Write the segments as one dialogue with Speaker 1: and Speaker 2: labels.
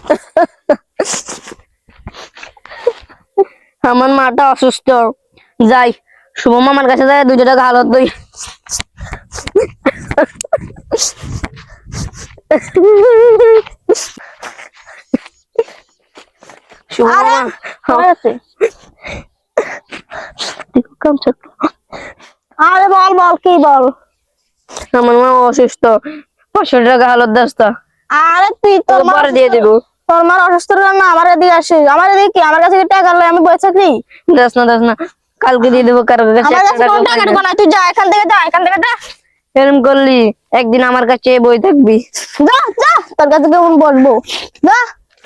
Speaker 1: আমার মাটা অসুস্থ, যাই শুভ মামার কাছে যাই 2 টাকা হালত দই। শুভ মামা
Speaker 2: আরে বল বল কি বল।
Speaker 1: আমার মা অসুস্থ, 500 টাকা হালত দাস্তা।
Speaker 2: আরে তুই তোর মা
Speaker 1: পরে দিয়ে দিব।
Speaker 2: তোর মার অসুস্থ না আমার এদিকে আসে, আমার এদিকে কি আমার কাছে কি টাকা লয় আমি বসে থাকি?
Speaker 1: দাস না, কালকে দিয়ে দেবো। কারো কাছে
Speaker 2: আমার কাছে কোনো টাকা ঢুকো না, তুই যা এখান থেকে, যা এখান থেকে, যা।
Speaker 1: এরকম করলি একদিন আমার কাছে বই থাকবি।
Speaker 2: যা যা, তোর কাছে কেমন বলবো, যা।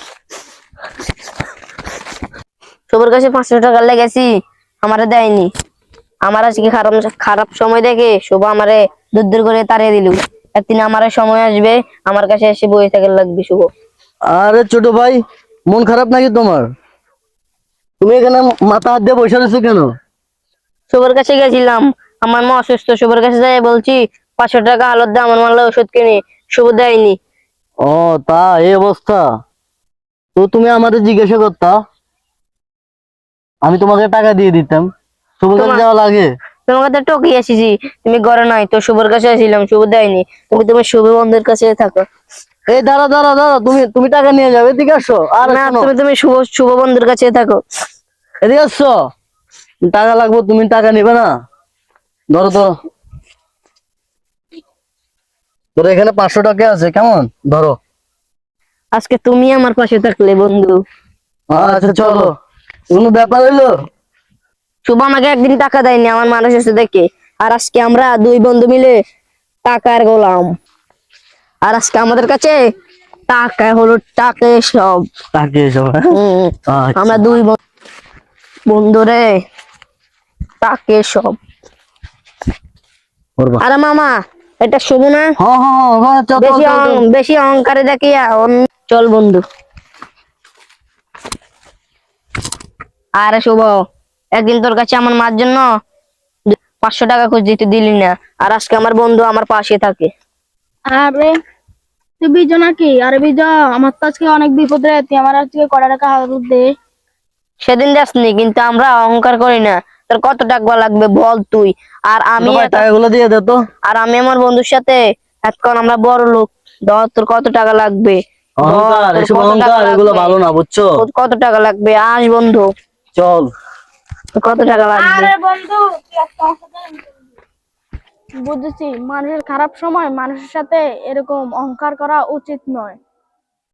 Speaker 1: সবার কাছে 500 টাকা লেগেছি, আমারে দেয়নি। আমার আজকে খারাপ সময় দেখে শুভ আমারে দূর করে তাড়িয়ে দিল। একদিন আমার সময় আসবে, আমার কাছে এসে বই থাকার লাগবে শুভ।
Speaker 3: আরে ছোট ভাই, মন খারাপ নাকি তোমার? তুমি এখানে মাথা হাত দিয়ে বসে রয়েছো কেন?
Speaker 1: শুভর কাছে গেছিলাম, আমার মা অসুস্থ। শুভর কাছে যাই বলছি 500 টাকা হালত দে, আমার মারলে ওষুধ কিনে। শুভ দেয়নি।
Speaker 3: ও তা এই অবস্থা। তো তুমি আমাদের জিজ্ঞাসা করতা, আমি তোমাকে টাকা দিয়ে দিতাম। শুভ কাছে যাওয়া লাগে?
Speaker 1: তোমার কাছে টকি আসিছি, তুমি ঘরে নাই তো, শুভর কাছে আসিলাম, শুভ দেয়নি। তুমি তোমার শুভ বন্ধুর কাছে থাকো।
Speaker 3: এই দাঁড়া দাঁড়া দাঁড়া, তুমি তুমি টাকা নিয়ে যাবে, এদিকে আসো। আর
Speaker 1: না,
Speaker 3: শোনো,
Speaker 1: তুমি শুভ বন্ধুর কাছে থাকো।
Speaker 3: এদিকে আসছো। টাকা লাগবে, তুমি টাকা নিবে না? ধরো ধরো, তোর এখানে 500 টাকা আছে, কেমন? ধরো।
Speaker 1: আজকে তুমি আমার পাশে থাকলে বন্ধু।
Speaker 3: আচ্ছা চলো, কোনো ব্যাপার হইলো?
Speaker 1: শুভ আমাকে একদিন টাকা দেয়নি আমার মানুষ এসে দেখে, আর আজকে আমরা 2 বন্ধু মিলে টাকার গোলাম। আর আজকে আমাদের কাছে টাকা হলো, টাকা সব।
Speaker 3: টাকা এসব, হ্যাঁ? আচ্ছা।
Speaker 1: আমরা 2 বন্ধু রে, টাকে সব।
Speaker 3: করবা।
Speaker 1: আরে মামা, এটা শুভ না?
Speaker 3: হ্যাঁ হ্যাঁ হ্যাঁ, চল চল চল চল।
Speaker 1: বেশি অহংকারে দেখিয়া চল বন্ধু। আরে শুভ, একদিন তোর কাছে আমার মার জন্য 500 টাকা খোঁজ দিতে দিলি না, আর আজকে আমার বন্ধু আমার পাশে থাকে।
Speaker 2: আরে তুই বিজো নাকি? আরে বিজো, আমার তো আজকে অনেক বিপদ রে, তুই আমার আজকে কটা টাকা হালত দে।
Speaker 1: সেদিন যাসনি, কিন্তু আমরা অহংকার করি না। তোর কত টাকা লাগবে বল তুই। আর আমি
Speaker 3: ভাই টাকাগুলো দিয়ে দে তো।
Speaker 1: আর আমি আমার বন্ধুর সাথে এখন আমরা বড় লোক। ধর তোর কত টাকা লাগবে?
Speaker 3: অহংকার,
Speaker 1: তোর
Speaker 3: এসব
Speaker 1: কত টাকা
Speaker 3: অহংকার এগুলো
Speaker 1: লাগবে?
Speaker 3: ভালো না, বুঝছো?
Speaker 1: তোর কত টাকা লাগবে? আস বন্ধু,
Speaker 3: চল।
Speaker 1: তোর কত টাকা লাগবে?
Speaker 2: আরে বন্ধু, তুই একটা বুঝেছি, মানুষের খারাপ সময় মানুষের সাথে এরকম অহংকার করা উচিত নয়।